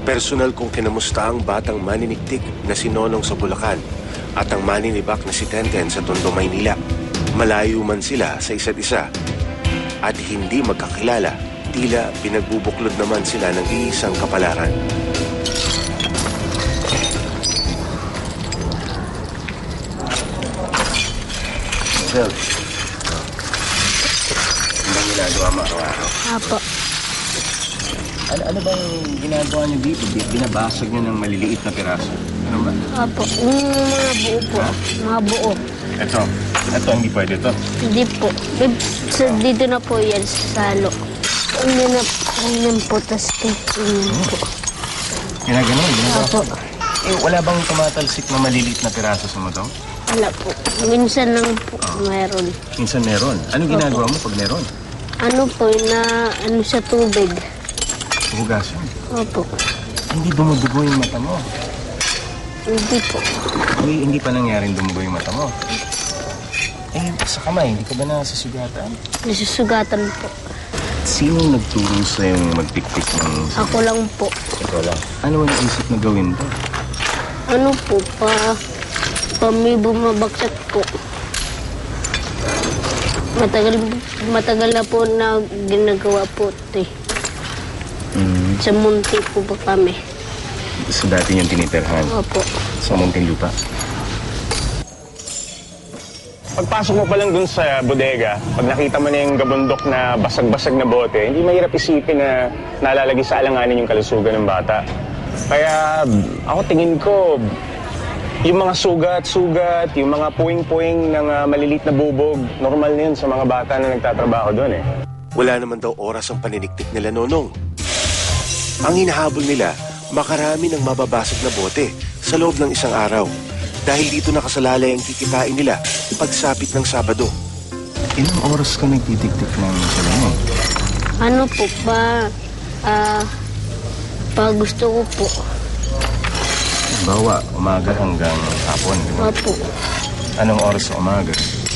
Personal kong kinamusta ang batang maniniktik na si Nonong sa Bulacan at ang maninibak na si Tenten sa Tondo, Maynila. Malayo man sila sa isa't isa at hindi magkakilala, tila pinagbubuklod naman sila ng iisang kapalaran. Sir, ano bang ginagawa mo araw-araw? Apo. Ano bang ginagawa niyo dito? Binabasag niyo ng maliliit na piraso. Ano ba? Apo. Mga buo po. Mga buo. Ito hindi pwede to. Hindi po. Dito na po yan sa salo. Ganyan po. Tapos ganyan po. Ginaganon? Apo. Wala bang tumatalsik na maliliit na piraso sa mo to? Wala po. Minsan lang po meron. Minsan meron. Ano ginagawa mo pag meron? Ano po, sa tubig. Hugasan. Opo. Hindi dumudugo yung mata mo. Hindi po. Hindi pa nangyaring dumugo yung mata mo. Sa kamay, hindi ka ba nasusugatan? Nasusugatan po. Sino nagturo sa'yo magpikpik ng... Ako lang po. Ikaw lang. Ano ang naisip na gawin to? Ano po, may bumabagsak po. Matagal na po na ginagawa po ito eh. Sa munti po pa kami. Sa dati yung tinitirhan? Opo. Sa munting lupa? Pagpasok mo pa lang dun sa bodega, pag nakita mo na yung gabundok na basag-basag na bote, hindi mahirap isipin na nalalagay sa alanganin yung kalusugan ng bata. Kaya ako tingin ko, yung mga sugat-sugat, yung mga puwing-puwing ng malilit na bubog, normal na yun sa mga bata na nagtatrabaho doon eh. Wala naman daw oras ang paniniktik nila Nonong. Ang hinahabol nila, makarami ng mababasag na bote sa loob ng isang araw. Dahil dito nakasalalay ang kikitain nila pagsapit ng Sabado. Ilang oras ka nagtitiktik ng salamin? Ano po pa gusto ko po. Bawa, umaga hanggang hapon. Opo. Anong oras sa umaga?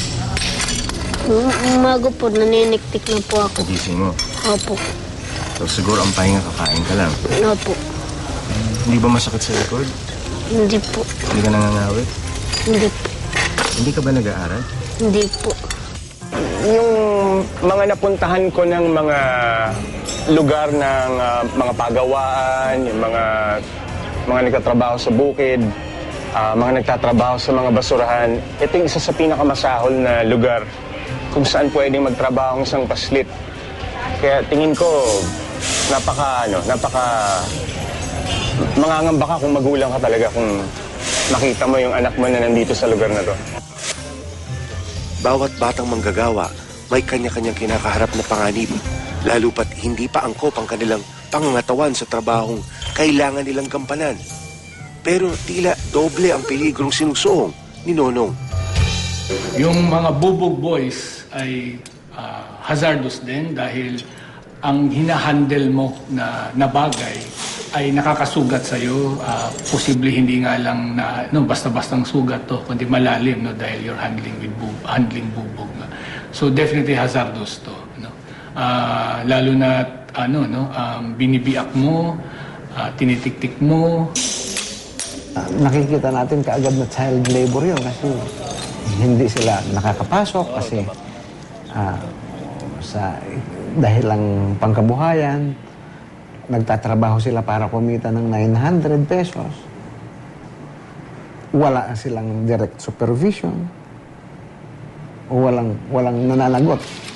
Umaga po, naniniktik na po ako. Pagising mo? Opo. So siguro ang pahinga kakain ka lang? Opo. Hindi ba masakit sa likod? Hindi po. Hindi ka nangangawit? Hindi po. Hindi ka ba nag-aaral? Hindi po. Yung mga napuntahan ko ng mga lugar ng mga pagawaan, yung mga nagtatrabaho sa bukid, mga nagtatrabaho sa mga basurahan, ito yung isa sa pinakamasahol na lugar kung saan pwedeng magtrabaho ang isang paslit. Kaya tingin ko, napaka mangangamba ka kung magulang ka talaga kung makita mo yung anak mo na nandito sa lugar na to. Bawat batang manggagawa, may kanya-kanyang kinakaharap na panganib, lalo pat hindi pa angkop ang kanilang pangangatawan sa trabahong kailangan nilang gampanan. Pero tila doble ang peligrong sinusuong ni Nonong. Yung mga bubog boys ay hazardous din dahil ang hinahandle mo na bagay ay nakakasugat sa'yo. Posible hindi nga lang na basta-bastang sugat to, kundi malalim dahil you're handling bubog. So definitely hazardous to. Lalo na binibiak mo, tinitiktik mo. Nakikita natin kaagad na child labor yun kasi hindi sila nakakapasok kasi dahil lang pangkabuhayan, nagtatrabaho sila para kumita ng 900 pesos. Wala silang direct supervision o walang nananagot.